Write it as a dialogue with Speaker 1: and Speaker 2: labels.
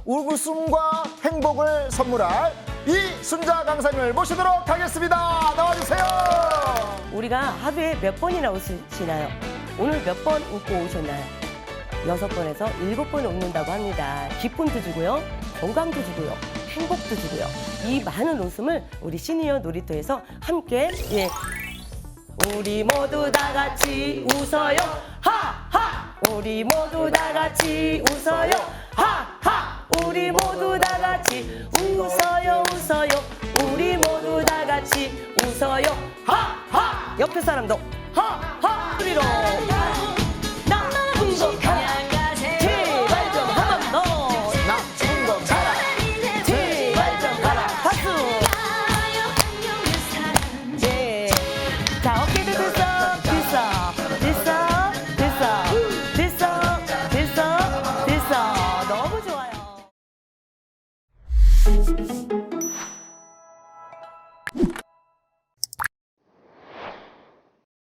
Speaker 1: 웃음과 행복을 선물할 이순자 강사님을 모시도록 하겠습니다. 나와주세요.
Speaker 2: 우리가 하루에 몇 번이나 웃으시나요? 오늘 몇 번 웃고 오셨나요? 6번에서 7번 웃는다고 합니다. 기쁨도 주고요, 건강도 주고요, 행복도 주고요. 이 많은 웃음을 우리 시니어 놀이터에서 함께 우리 모두 다 같이 웃어요. 하하! 우리 모두 다 같이 웃어요. 하하! 우리 모두 다 같이 웃어요. 웃어요. 우리 모두 다 같이 웃어요. 하하! 옆에 사람도 하하! 소리로 나쁜 거 가라. 제발 좀 한 번 더.
Speaker 1: 나쁜 거 가라.
Speaker 2: 제발 좀 가라. 박수. 예. 자, 어깨도 들썩. 너무 좋아요.